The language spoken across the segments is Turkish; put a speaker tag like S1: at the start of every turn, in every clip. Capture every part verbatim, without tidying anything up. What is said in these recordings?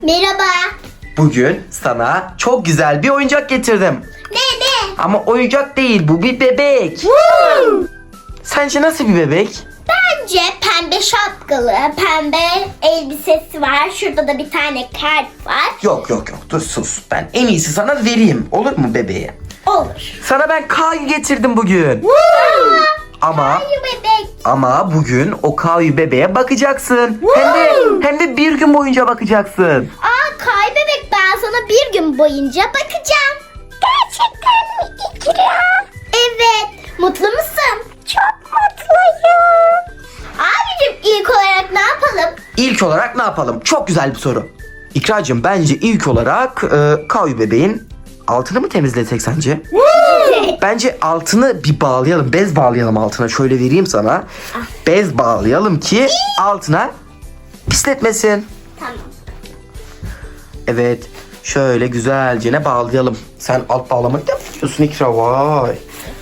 S1: Merhaba.
S2: Bugün sana çok güzel bir oyuncak getirdim.
S1: Ne ne?
S2: Ama oyuncak değil, bu bir bebek. Sence nasıl bir bebek?
S1: Bence pembe şapkalı, pembe elbisesi var. Şurada da bir tane kalp var.
S2: Yok yok yok, dur sus. Ben en iyisi sana vereyim. Olur mu bebeğe?
S1: Olur.
S2: Sana ben Kayu getirdim bugün. Ama
S1: Hayır bebek.
S2: ama bugün o Kayu bebeğe bakacaksın. Hem de hem de bir gün boyunca bakacaksın.
S1: Aa Kay bebek, ben sana bir gün boyunca bakacağım. Gerçekten mi İkra? Evet. Mutlu musun? Çok mutluyum. Abicim ilk olarak ne yapalım?
S2: İlk olarak ne yapalım? Çok güzel bir soru. İkracığım, bence ilk olarak e, Kayu bebeğin altını mı temizlesek sence? Bence altını bir bağlayalım. Bez bağlayalım altına. Şöyle vereyim sana. Bez bağlayalım ki altına pisletmesin.
S1: Tamam.
S2: Evet. Şöyle güzelce ne bağlayalım. Sen alt bağlamayı da biliyorsun İkra. Vay.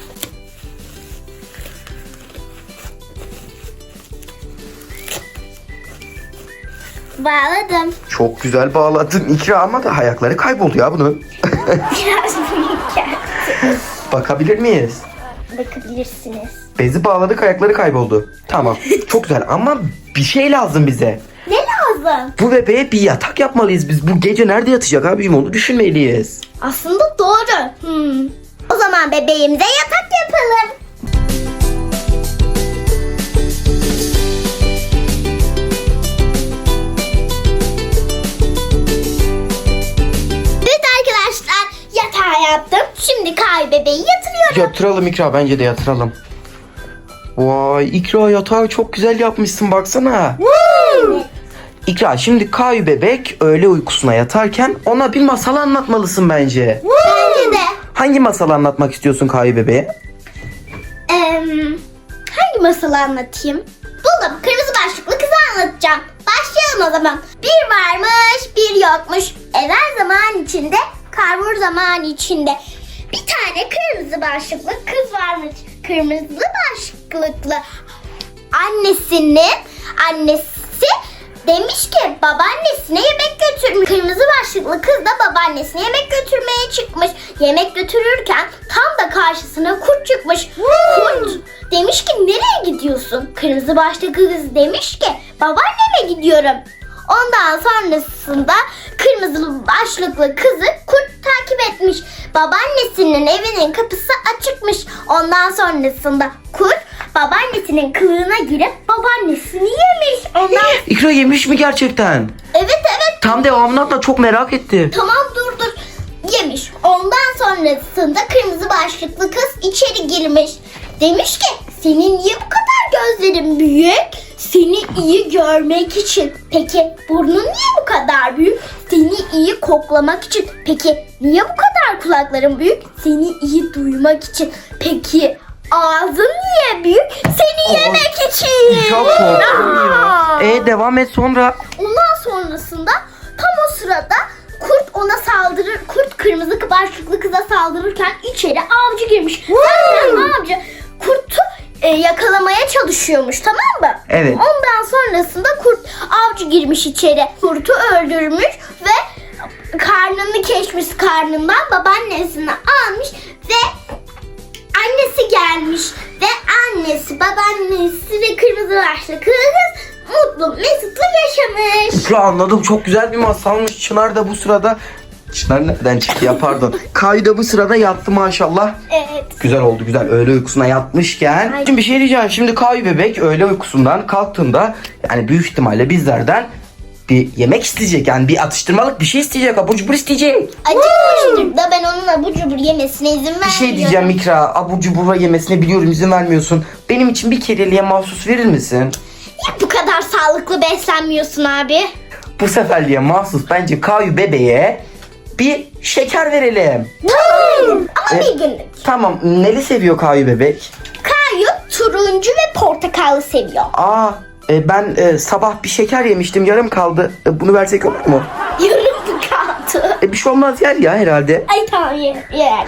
S1: Bağladım.
S2: Çok güzel bağladın İkra, ama da ayakları kayboldu ya bunun.
S1: Biraz büyük geldi.
S2: Bakabilir miyiz?
S1: Bakabilirsiniz.
S2: Bezi bağladık, ayakları kayboldu. Tamam. Çok güzel ama bir şey lazım bize.
S1: Ne lazım?
S2: Bu bebeğe bir yatak yapmalıyız biz. Bu gece nerede yatacak abicim, onu düşünmeliyiz.
S1: Aslında doğru. Hmm. O zaman bebeğimize yatak yapalım. Evet arkadaşlar, yatağı yaptım. Şimdi Kay bebeği yatırıyorum.
S2: Yatıralım İkra, bence de yatıralım. Vay İkra, yatağı çok güzel yapmışsın, baksana.
S1: Evet.
S2: İkra, şimdi Kayu bebek öğle uykusuna yatarken ona bir masal anlatmalısın bence.
S1: Bence de.
S2: Hangi masalı anlatmak istiyorsun Kayu bebeğe?
S1: Em, hangi masalı anlatayım? Buldum. Kırmızı başlıklı kızı anlatacağım. Başlayalım o zaman. Bir varmış, bir yokmuş. Evvel zaman içinde, karbur zaman içinde. Bir tane kırmızı başlıklı kız varmış. Kırmızı başlıklı annesinin annesi demiş ki babaannesine yemek götürmüş. Kırmızı başlıklı kız da babaannesine yemek götürmeye çıkmış. Yemek götürürken tam da karşısına kurt çıkmış. Kurt demiş ki nereye gidiyorsun? Kırmızı başlıklı kız demiş ki babaanneme gidiyorum. Ondan sonrasında kırmızı başlıklı kızı kurt takip etmiş. Babaannesinin evinin kapısı açıkmış. Ondan sonrasında kurt babaannesinin kılığına girip babaannesini yemiş. Ondan...
S2: İkra yemiş mi gerçekten?
S1: Evet evet.
S2: Tam devamını anlat, çok merak ettim.
S1: Tamam dur dur. Yemiş. Ondan sonrasında kırmızı başlıklı kız içeri girmiş. Demiş ki senin niye bu kadar gözlerin büyük? Seni iyi görmek için. Peki burnun niye bu kadar büyük? Seni iyi koklamak için. Peki niye bu kadar kulakların büyük? Seni iyi duymak için. Peki ağzın niye büyük? Seni
S2: Aa,
S1: yemek için.
S2: Çok korktum ya.
S1: Aa.
S2: E devam et sonra.
S1: Ondan sonrasında tam o sırada kurt ona saldırır. Kurt kırmızı başlıklı kıza saldırırken içeri avcı girmiş. Zaten avcı kurtu e, yakalamaya çalışıyormuş, tamam mı?
S2: Evet.
S1: Ondan sonrasında kurt avcı girmiş içeri. Kurtu öldürmüş ve karnını keşmiş, karnından babaannesini almış ve annesi gelmiş ve annesi, babaannesi ve kırmızı başlıklı kız mutlu mesutlu yaşamış.
S2: İkra, anladım, çok güzel bir masalmış. Çınar da bu sırada... Çınar nereden çıktı ya, pardon. Kayu da bu sırada yattı maşallah.
S1: Evet.
S2: Güzel oldu, güzel. Öğle uykusuna yatmışken.
S1: Ay.
S2: Şimdi bir şey diyeceğim. Şimdi Kayu bebek öğle uykusundan kalktığında yani büyük ihtimalle bizlerden bir yemek isteyecek. Yani bir atıştırmalık bir şey isteyecek. Abur cubur isteyecek.
S1: Acıkmıştır da ben onun abur cubur yemesine izin vermiyorum.
S2: Bir şey diyeceğim Mikra. Abur cubur yemesine biliyorum izin vermiyorsun. Benim için bir kereliğe mahsus verir misin?
S1: Ya bu kadar sağlıklı beslenmiyorsun abi.
S2: Bu seferliğe mahsus bence Kayu bebeğe bir şeker verelim.
S1: Tamam. Ama
S2: E-
S1: bir günlük.
S2: Tamam. Neli seviyor Kayu bebek?
S1: Kayu turuncu ve portakallı seviyor.
S2: Aa, e, ben e, sabah bir şeker yemiştim, yarım kaldı. E, bunu versek olur mu?
S1: Yarım kaldı.
S2: E, bir şey olmaz, yer ya herhalde.
S1: Ay tamam yer yer yer.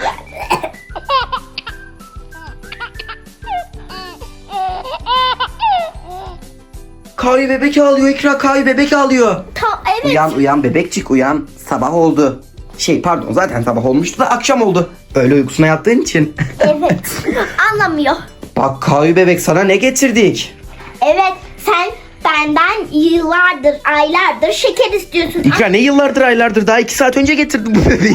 S2: Kayu bebek ağlıyor İkra. Kayu bebek ağlıyor.
S1: Ta evet.
S2: Uyan uyan bebekçik uyan. Sabah oldu. Şey pardon zaten sabah olmuştu da akşam oldu. Öyle uykusuna yattığın için.
S1: Evet. Anlamıyor.
S2: Bak Kayu bebek sana ne getirdik?
S1: Evet, sen benden yıllardır, aylardır şeker istiyorsun.
S2: İkra ne yıllardır aylardır daha iki saat önce getirdim bu bebeği.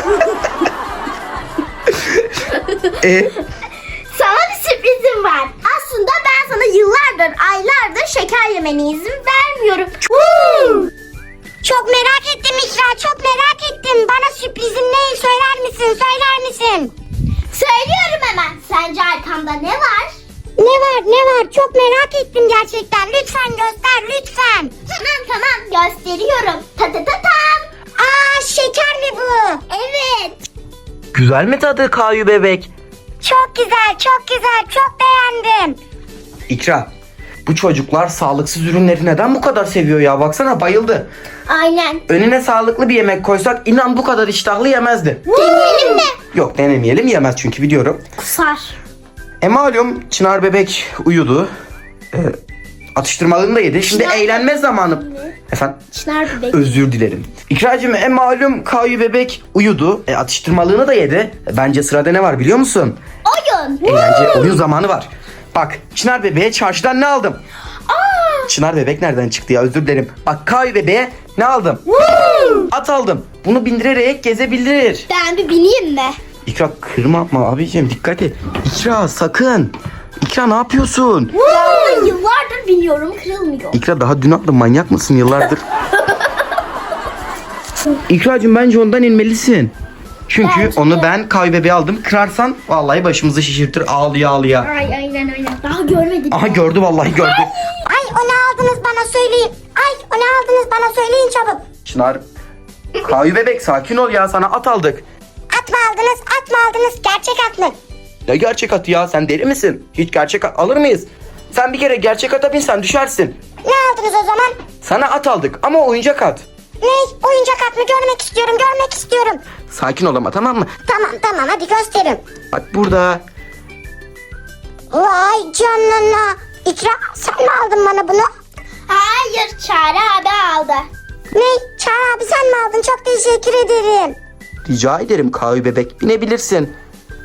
S2: e,
S1: Sana bir sürprizim var. Aslında ben sana yıllardır, aylardır şeker yemene izin vermiyorum.
S3: Çok merak ettim İkra, çok merak ettim. Bana sürprizin ne? Söyler misin, söyler misin?
S1: Söylüyorum hemen. Sence arkamda ne var?
S3: Ne var, ne var? Çok merak ettim gerçekten. Lütfen göster, lütfen.
S1: Tamam tamam gösteriyorum. Ta ta ta tam.
S3: Aa, şeker mi bu?
S1: Evet.
S2: güzel mi tadı Kayu bebek?
S3: Çok güzel, çok güzel, çok beğendim.
S2: İkra bu çocuklar sağlıksız ürünleri neden bu kadar seviyor ya? Baksana bayıldı.
S1: Aynen.
S2: Önüne sağlıklı bir yemek koysak inan bu kadar iştahlı yemezdi.
S1: Deneyelim mi?
S2: Yok denemeyelim yemez çünkü biliyorum.
S1: Kusar.
S2: E malum Çınar bebek uyudu. E, atıştırmalığını da yedi. Şimdi
S1: Çınar-
S2: eğlenme zamanı. Efendim?
S1: Çınar bebek.
S2: Özür dilerim. İkracığım e malum Kayu bebek uyudu. E, atıştırmalığını da yedi. E, bence sırada ne var biliyor musun?
S1: Oyun.
S2: Eğlence oyun zamanı var. Bak Çınar bebeğe çarşıdan ne aldım?
S1: Aa.
S2: Çınar bebek nereden çıktı ya özür dilerim. Bak Kayu bebeğe ne aldım? At aldım. Bunu bindirerek gezebilir.
S1: Ben bir bineyim mi?
S2: İkra kırma yapma abicim dikkat et. İkra sakın. İkra ne yapıyorsun?
S1: Ya ben yıllardır biniyorum, kırılmıyor.
S2: İkra daha dün attın manyak mısın yıllardır? İkracığım bence ondan inmelisin. Çünkü
S1: Bence
S2: onu
S1: de.
S2: ben Kayu bebeği aldım. Kırarsan vallahi başımızı şişirtir ağlıya ağlıya.
S1: Ay aynen aynen. Daha görmedim.
S2: Aha gördü vallahi gördü.
S3: Ay, o ne aldınız bana söyleyin. Ay, o ne aldınız bana söyleyin çabuk.
S2: Çınar Kayu bebek sakin ol ya sana at aldık.
S3: At mı aldınız, at mı aldınız? Gerçek at mı?
S2: Ne gerçek atı ya sen deli misin? Hiç gerçek at alır mıyız? Sen bir kere gerçek ata binsen düşersin.
S3: Ne aldınız o zaman?
S2: Sana at aldık ama oyuncak at.
S3: Ne? Oyuncak at mı? Görmek istiyorum, görmek istiyorum.
S2: Sakin ol ama tamam mı?
S3: Tamam, tamam, hadi gösterin.
S2: Bak burada.
S3: Vay canına. İkra, sen mi aldın bana bunu?
S1: Hayır, Çağrı abi aldı.
S3: Ne? Çağrı abi sen mi aldın? Çok teşekkür ederim.
S2: Rica ederim Kayu bebek binebilirsin.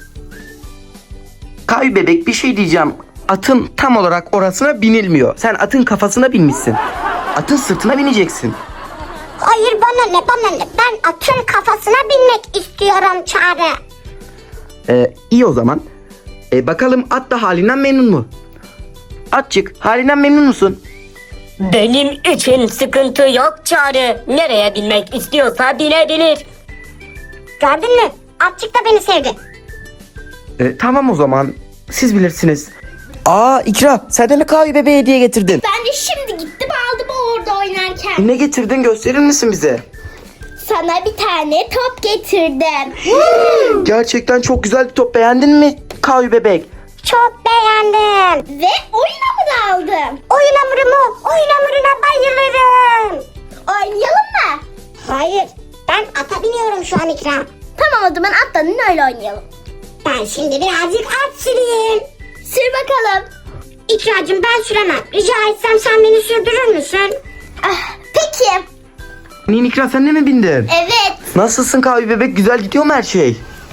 S2: Kayu bebek bir şey diyeceğim. Atın tam olarak orasına binilmiyor. Sen atın kafasına binmişsin. Atın sırtına bineceksin.
S3: Hayır, bana ne, bana ne? Ben atın kafasına binmek istiyorum Çağrı.
S2: Ee, iyi o zaman. Ee, bakalım at da halinden memnun mu? Atçık halinden memnun musun?
S4: Benim için sıkıntı yok Çağrı. Nereye binmek istiyorsa binebilir.
S3: Gördün mü? Atçık da beni sevdi.
S2: Ee, tamam o zaman. Siz bilirsiniz. Aa İkra sen de mi Kayu bebeğe hediye getirdin?
S1: Ben de şimdi gittim aldım orada oynarken.
S2: Ne getirdin gösterir misin bize?
S1: Sana bir tane top getirdim.
S2: Gerçekten çok güzel bir top beğendin mi Kayu bebek?
S3: Çok beğendim.
S1: Ve oyun hamuru aldım.
S3: Oyun hamuru mu? Oyun hamuruna bayılırım.
S1: Oynayalım mı?
S3: Hayır, ben ata biniyorum şu an İkra.
S1: Tamam o zaman atlanın öyle oynayalım.
S3: Ben şimdi birazcık at süreyim.
S1: Sür bakalım.
S3: İkracığım ben süremem. Rica etsem sen beni sürdürür müsün?
S1: Ah, peki.
S2: Nin İkra sen de mi bindin?
S1: Evet.
S2: Nasılsın Kayu bebek güzel gidiyor mu her şey?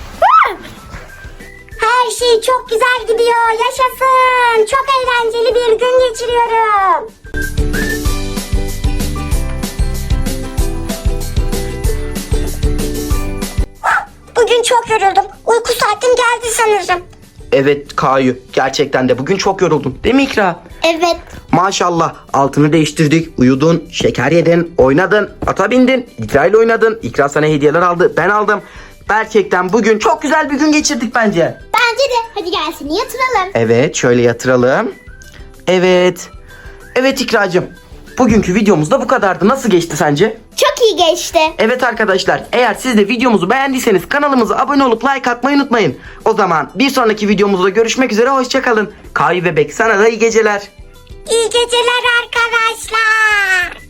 S3: Her şey çok güzel gidiyor. Yaşasın. Çok eğlenceli bir gün geçiriyorum. Bugün çok yoruldum. Uyku saatim geldi sanırım.
S2: Evet Kayu gerçekten de bugün çok yoruldun değil mi İkra?
S1: Evet.
S2: Maşallah altını değiştirdik uyudun şeker yedin oynadın ata bindin İkra ile oynadın İkra sana hediyeler aldı ben aldım. Gerçekten bugün çok güzel bir gün geçirdik bence.
S1: Bence de. Hadi gel seni yatıralım.
S2: Evet şöyle yatıralım. Evet. Evet İkracığım. Bugünkü videomuz da bu kadardı. Nasıl geçti sence?
S1: Çok iyi geçti.
S2: Evet arkadaşlar eğer siz de videomuzu beğendiyseniz kanalımıza abone olup like atmayı unutmayın. O zaman bir sonraki videomuzda görüşmek üzere hoşçakalın. Kayu bebek sana da iyi geceler.
S3: İyi geceler arkadaşlar.